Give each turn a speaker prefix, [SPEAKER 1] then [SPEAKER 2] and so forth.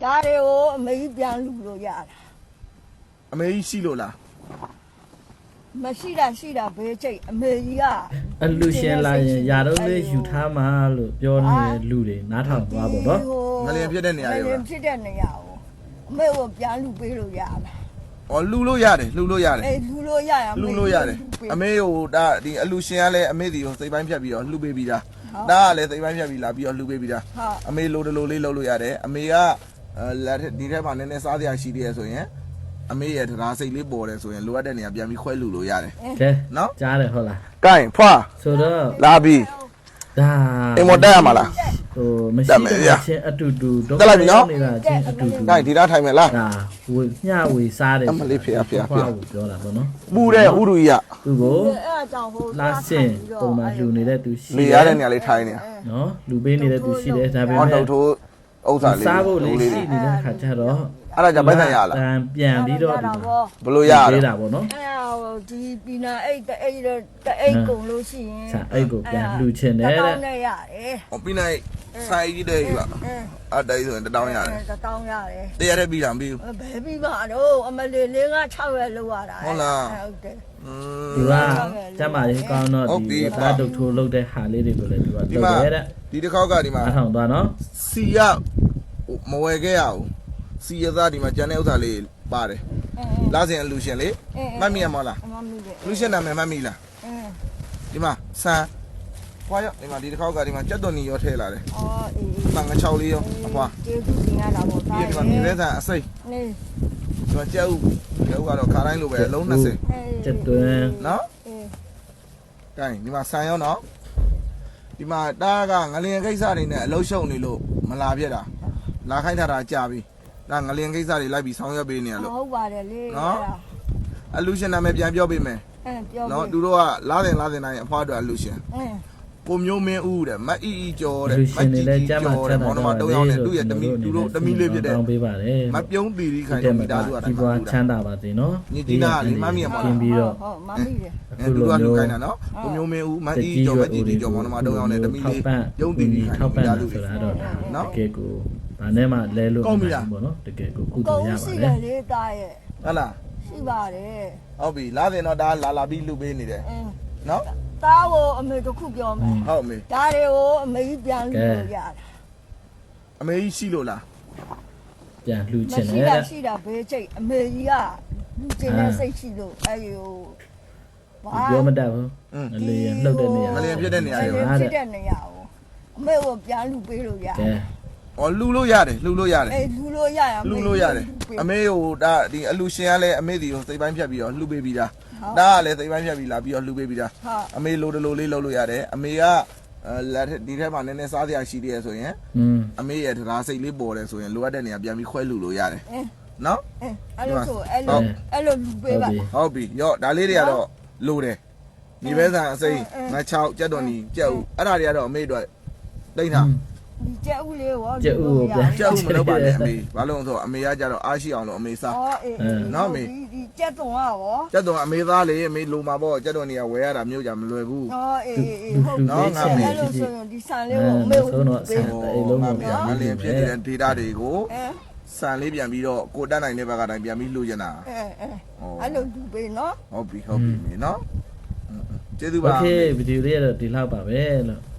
[SPEAKER 1] ဒါတွေကိုအမေကြီးပြန်လူလို့ရတာ
[SPEAKER 2] အမေကြီးရှိလို့လား
[SPEAKER 1] မရှိတာဘယ်ချိန်အမေကြီးက
[SPEAKER 3] အလူရှင်လာရင်ຢာတော့လေးယူထားမှလို့ပြောနေတဲ့လူတွေနားထောင်သွားပေါ့နော်
[SPEAKER 2] ငလျင်ဖြစ်တဲ့နေရာ
[SPEAKER 1] င
[SPEAKER 2] တွေ
[SPEAKER 1] လျင်ဖြစ်တဲ့နေရာကိုအမေကိုပြန်လူပေးလို့ရတာ
[SPEAKER 2] ဩလှူလို့ရတယ်လှူလို့ရတယ်
[SPEAKER 1] အေးလူလို့ရရ
[SPEAKER 2] လှူလို့ရတယ်အမေကိုဒါဒီအလူရှင်ကလည်းအမေစီကိုစိတ်ပိုင်းဖြတ်ပြီးတော့လှူပေးပြီးသားဒါကလည်းစိတ်ပိုင်းဖြတ်ပြီးလာပြီးတော့လှူပေးပြီးသားအမေလိုတလိုလေးလှုပ်လို့ရတယ်အမေကဒီထက်မှနည်းနည်းစားစရာရှိသေးတယ်ဆိုရင်အမေရဲ့တရားစိတ်လေးပေါ်တယ်ဆိုရင်လိုအပ်တဲ့နေရာပြန်ပြီးခွဲလှူလို့ရတယ်
[SPEAKER 3] ကဲ
[SPEAKER 2] နော်
[SPEAKER 3] ကြားတယ်ဟုတ်လား
[SPEAKER 2] ကဲဖွာ
[SPEAKER 3] ဆိုတော့
[SPEAKER 2] လာပြီး
[SPEAKER 3] ဒါ
[SPEAKER 2] အိမ်မတက်ရမှာလား
[SPEAKER 3] ဟိုမရှိတဲ့ချင်းအတူတူတော့နေတာချင်းအတူတူ
[SPEAKER 2] ကဲဒီသားထိုင်မယ်လား
[SPEAKER 3] ဒါဝေမျှဝေစားတယ်
[SPEAKER 2] အမလေးဖေဖေ
[SPEAKER 3] ကိုပြောတာပေါ့နော်
[SPEAKER 2] ပူတဲ့ဥရူကြီးက
[SPEAKER 3] သူကို
[SPEAKER 1] အဲ့အကြောင်းဟို
[SPEAKER 3] လာစင်ပုံမှန်လူနေတဲ့သူရှိ
[SPEAKER 2] လေရတဲ့နေရာလေးထိုင်နေတာ
[SPEAKER 3] နော်လူပေးနေတဲ့သူရှိတယ်ဒါပေ
[SPEAKER 2] ဟော
[SPEAKER 3] မဲ့
[SPEAKER 2] တော့ထိုးဥစ္စာလေး
[SPEAKER 3] စားဖို့လေးရှိနေတဲ့ခါကျတော့
[SPEAKER 2] အဲ့ဒါကြပိုက်ဆံရလား
[SPEAKER 3] ပြန်ပြီးတော့ဒီ
[SPEAKER 2] ဘလို့ရ
[SPEAKER 3] ပေး
[SPEAKER 2] လဲ
[SPEAKER 3] တာပေါ့နော်
[SPEAKER 1] အဲ့ဒီပီနာအိတ်တအိတ်ကုန်လို့ရှိရင်
[SPEAKER 3] ဆာအဲ့ကိုပြန်လှူချင်တယ်တဲ့
[SPEAKER 1] တောင်းနဲ့ရတယ်
[SPEAKER 2] ဟောပြီးနိုင်ဆိုင်ကြီးတဲ့ကြီးပါအဲ့ဒါကြီးဆိုရင်တောင်းရတယ်
[SPEAKER 1] တောင်းရတယ်
[SPEAKER 2] တရားတဲ့ပြီးတာမပြီးဘူး
[SPEAKER 1] ဘယ်ပြီးမှတော့အမလေးလေးက6ရက်လောက်ရတာ
[SPEAKER 2] ဟုတ်လား
[SPEAKER 1] ဟုတ်တယ်
[SPEAKER 3] သူကကျမ်းမာရေးကောင်းတော့ဒီဘာဒုတ်ထိုးလုပ်တဲ့ဟာလေးတွေကိုလည်းသူက
[SPEAKER 2] ဒီ
[SPEAKER 3] လုပ်
[SPEAKER 2] မှာ
[SPEAKER 3] ရဲတဲ့
[SPEAKER 2] ဒီတစ်ခေါက်ကဒီမှာ
[SPEAKER 3] အားထောင်သွားနော်
[SPEAKER 2] စီရမဝယ်ခဲ့ရဘူးစီရသားဒီမှာကျန်တဲ့ဥစ္စာလေးပါတယ်လာစင်အလူရှင်လေမှတ်မိရမလား
[SPEAKER 1] အမမီးတယ်
[SPEAKER 2] လူရှင်နာမည်မှတ်မိလားဒီမှာဆန်ဖွာရောဒီမှာဒီတစ်ခေါက်ကဒီမှာကြက်သွန်နီရောထည့်လာတယ်
[SPEAKER 1] အော်အေး
[SPEAKER 2] ။ငါ6လေးရောအဖွာ
[SPEAKER 1] ကျေးဇူးတင်ရတာပေါ့
[SPEAKER 2] ။ပြီးတော့ဒီမှာမြေပဲဆန်အစိမ့်
[SPEAKER 1] နေ
[SPEAKER 2] ဒီမှာကြက်ဥကတော့ခါတိုင်းလိုပဲအလုံး20
[SPEAKER 3] ကျက်သွင်း
[SPEAKER 2] နော်
[SPEAKER 1] အေး
[SPEAKER 2] ။ကဲဒီမှာဆန်ရောနော်။ဒီမှာတားကငလျင်ကိစ္စတွေနဲ့အလုံးရှုံနေလို့မလာပြက်တာ။လာခိုင်းထားတာကြာပြီ။ဒါငလျင်ကိစ္စတွေလိုက်ပြီးဆောင်ရွက်ပေးနေရလို့
[SPEAKER 1] ဟုတ်ပါတယ်လေ
[SPEAKER 2] အလူရှင်နာမည်ပြန်ပြောပေးမယ်
[SPEAKER 1] ပြော
[SPEAKER 2] ။နော်သူတို့ကလာတင်တိုင်းအဖွားတို့အလူရှင်ကိုမျိုးမင်းဦးတဲ့မအီအီကျော်တဲ့
[SPEAKER 3] လူ
[SPEAKER 2] မ
[SPEAKER 3] ရှင်
[SPEAKER 2] ကြ
[SPEAKER 3] နေ
[SPEAKER 2] ည့်
[SPEAKER 3] လဲ
[SPEAKER 2] ကြည့်
[SPEAKER 3] ကျမ်းမာ
[SPEAKER 2] ကျော်
[SPEAKER 3] ချ
[SPEAKER 2] တဲ့
[SPEAKER 3] မ်းသာ
[SPEAKER 2] ဘောနမ3ယောက်နဲ့သူ့ရဲ့တမီသူတို့တမီလေးဖြစ်တဲ့
[SPEAKER 3] တောင်းပေးပါတယ်
[SPEAKER 2] မပြုံးတီရီခိုင်
[SPEAKER 3] တဲ့
[SPEAKER 2] မိ
[SPEAKER 3] မှာ
[SPEAKER 2] သားစုက
[SPEAKER 3] ဒီဘွားချမ်းသာပါစေနော်
[SPEAKER 2] ညီတီနာလေးမမီရမှာ
[SPEAKER 3] ပြင်ပြီးတော့
[SPEAKER 1] ဟုတ်မမီးတယ်
[SPEAKER 2] အဲသူတို့ကလူခိုင်းတာနော်ကိုမျိုးမင်းဦးမအီအီကျော်မကြည့်ကြည့်ကျော်ဘောနမ3ယောက်နဲ့တမီလေးပြုံးတီရီခိုင်
[SPEAKER 3] ထောက်ပံ့
[SPEAKER 2] မိသားစု
[SPEAKER 3] ဆိုတာတော့နော်တကယ်ကိုဗာနဲ့မှလဲလို့ပေါ့နော်တကယ်ကိုကုသိုလ်ရပါ
[SPEAKER 1] ရှိ
[SPEAKER 3] တ
[SPEAKER 1] တယ် ယ်လေတာရဲ့
[SPEAKER 2] ဟုတ်လား
[SPEAKER 1] ရှိပါတယ်
[SPEAKER 2] ဟုတ်ပြီလာတင်တော့ဒါလာပြီးလူပေးနေတယ်နော်
[SPEAKER 1] သားကိုအမေတစ်ခုပြောမယ်
[SPEAKER 2] ဟုတ်မေ
[SPEAKER 1] ဒါတွေကိုအမေကြီးပြန်လူလို့ရတာ
[SPEAKER 2] အမေကြီးရှိလို့လား
[SPEAKER 3] ပြန်လှူချ
[SPEAKER 1] မ
[SPEAKER 3] င်တ
[SPEAKER 1] ရှိ
[SPEAKER 3] ယ်
[SPEAKER 1] တာ
[SPEAKER 3] တဲ့
[SPEAKER 1] ရှိတာဘယ်ချိန်အမေကြီးကလူကျင်တဲ့စိတ်ရှိလို့အဲ့ဒီဟို
[SPEAKER 3] ပြောမတတ်ဘူးအလေလှုပ်တဲ့နေရာ
[SPEAKER 2] ငလျင်ဖြစ်တဲ့နေရာ
[SPEAKER 1] အဲ့
[SPEAKER 2] တွေ
[SPEAKER 1] ဒီဖြစ်တဲ့နေရာကိုအမေကိုပြန်လူပေးလို့ရ
[SPEAKER 3] ကဲ
[SPEAKER 2] ဩလှူလို့ရတယ်လှူလို့ရတယ်
[SPEAKER 1] အေးလူလို့ရရ
[SPEAKER 2] လှူလို့ရတယ်အမေကိုဒါဒီအလူရှင်ကလည်းအမေစီကိုစိတ်ပိုင်းဖြတ်ပြီးတော့လှူပေးပြီးသားဒါကလည်းစိတ်ပိုင်းဖြတ်ပြီးလာပြီးတော့လှူပေးပြီးသား
[SPEAKER 1] ဟုတ်
[SPEAKER 2] အမေလိုတလိုလေးလှုပ်လို့ရတယ်အမေကဒီထက်မှနည်းနည်းစားစရာရှိသေးတယ်ဆိုရင် အမေရဲ့တရားစိတ်လေးပေါ်တယ်ဆိုရင်လိုအပ်တဲ့နေရာပြန်ပြီးခွဲလှူလို့ရတယ်နော်
[SPEAKER 1] အဲ့လိုဆိုအဲ့လိုလူပေးပါ
[SPEAKER 2] ဟုတ်ပြီရော့ဒါလေးတွေကတော့လိုတယ်ညီပဲဆန်အစိမ်းငါ6ကြက်တော်နီကြက်ဥအဲ့ဒါတွေကတော့အမေတို့တိတ်ထား
[SPEAKER 1] ဒီကျက်ဦးလေးရော
[SPEAKER 2] ကြက်ဥမလုပ်ပါနဲ့အမေဘာလို့လဲဆိုတော့အမေကကြတော့အားရှိအောင်လို့အမေစား
[SPEAKER 1] ဟောအေးဒီကျက်တုံကရော
[SPEAKER 2] ကြက်တော်အမေသားလေအမေလိုမှာပေါ့ကြက်တော်နီကဝယ်ရတာမျိုးကြမလွယ်ဘူး
[SPEAKER 1] ဟောအေးဟုတ်အဲ့လိုဆိုရင်ဒီဆန်လေးကိုအမေကိုပေး
[SPEAKER 2] ငါလင်းဖြစ်နေတဲ့ data တွေကိုစံလေးပြန်ပြီးတော့ကိုတက်နိုင်တဲ့ဘက်ကတိုင်းပြန်ပြီးလှူချင်တာ
[SPEAKER 1] အဲ့လိုလူပေးနော်
[SPEAKER 2] ဟုတ်ပြီမေနော်ကျေးဇူးပါ
[SPEAKER 3] โอเคဗီဒီယိုလေးကတော့ဒီလောက်ပါပဲလို့